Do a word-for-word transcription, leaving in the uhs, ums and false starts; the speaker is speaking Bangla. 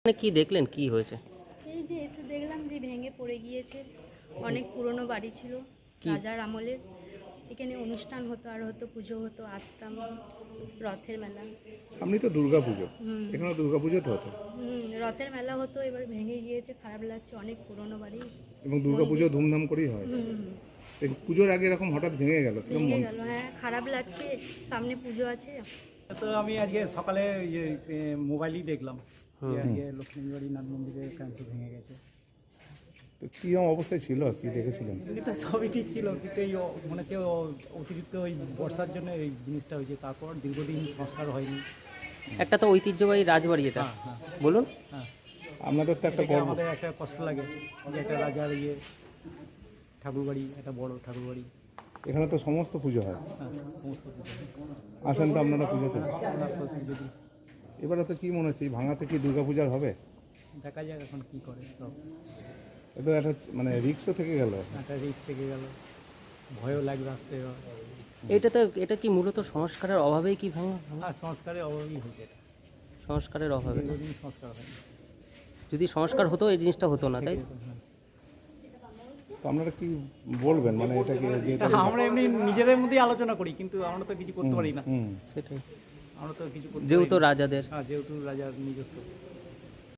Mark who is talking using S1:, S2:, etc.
S1: মানে কি দেখলেন, কি হয়েছে?
S2: এই যে এসে দেখলাম যে ভেঙে পড়ে গিয়েছে। অনেক পুরনো বাড়ি ছিল, রাজার আমলের। এখানে অনুষ্ঠান হতো, আর হতো পুজো হতো, আসতাম। রথের মেলা,
S3: সামনে তো দুর্গা পুজো,
S2: হুম
S3: এখানে দুর্গা পুজো তো হতো
S2: হুম রথের মেলা হতো, এবার ভেঙে গিয়েছে, খারাপ লাগছে। অনেক পুরনো বাড়ি,
S3: এবং দুর্গা পুজো ধুমধাম করেই হয়।
S2: হুম হুম
S3: এই পুজোর আগে এরকম হঠাৎ ভেঙে গেল, কিরকম
S2: ভেঙে
S3: মন?
S2: গেল। হ্যাঁ, খারাপ লাগছে, সামনে পুজো আছে।
S4: তো আমি আজকে সকালে ইয়ে এ, মোবাইলেই দেখলাম যে আজকে লক্ষ্মীবাড়ি নাথ মন্দিরের কাঞ্চ ভেঙে গেছে।
S3: তো কিরকম অবস্থায় ছিল, কি দেখেছিলেন?
S4: কিন্তু সবই ঠিক ছিল, কিন্তু এই অ- মনে হচ্ছে ও- অতিরিক্ত ওই বর্ষার জন্য এই জিনিসটা হয়েছে। তারপর দীর্ঘদিন সংস্কার হয়নি।
S1: একটা তো ঐতিহ্যবাহী রাজবাড়ি এটা,
S4: হ্যাঁ হ্যাঁ
S1: বলুন।
S4: হ্যাঁ,
S3: আপনাদের তো একটা
S4: এটা
S3: গর্ব।
S4: আমাদের একটা কষ্ট লাগে যে একটা রাজার ইয়ে ঠাকুরবাড়ি, একটা বড় ঠাকুরবাড়ি।
S3: এখানে তো সমস্ত পুজো হয়,
S4: হ্যাঁ, সমস্ত কিছু।
S3: আসেন তো আপনারা পুজোতে।
S4: আমরা তো যদি
S3: এবারে তো কি মনে হচ্ছে, এই ভাঙাতে কি দুর্গা পূজার হবে?
S4: দেখা যাক এখন কী করে। সব
S3: এ তো একটা মানে রিক্সও থেকে গেল।
S4: একটা রিস্ক থেকে গেল, ভয়ও লাগবে আসতে।
S1: এটা তো এটা কি মূলত সংস্কারের অভাবেই কি ভাঙা?
S4: আর সংস্কারের অভাবই হয়েছে এটা।
S1: সংস্কারের অভাবে।
S4: দীর্ঘদিন সংস্কার হয়নি।
S1: যদি সংস্কার হতো এই জিনিসটা হতো না, তাই?
S4: হ্যাঁ।
S3: তো আপনারা কি বলবেন, মানে এটাকে যে
S4: তা আমরা এমনি নিজেদের মধ্যেই আলোচনা করি, কিন্তু আমরা তো কিছু করতে পারি না।
S3: হুম
S1: সেটাই,
S4: আমরা তো কিছু করতে
S1: যেহেতু
S4: পারি না।
S1: রাজাদের।
S4: হ্যাঁ, যেহেতু রাজার নিজস্ব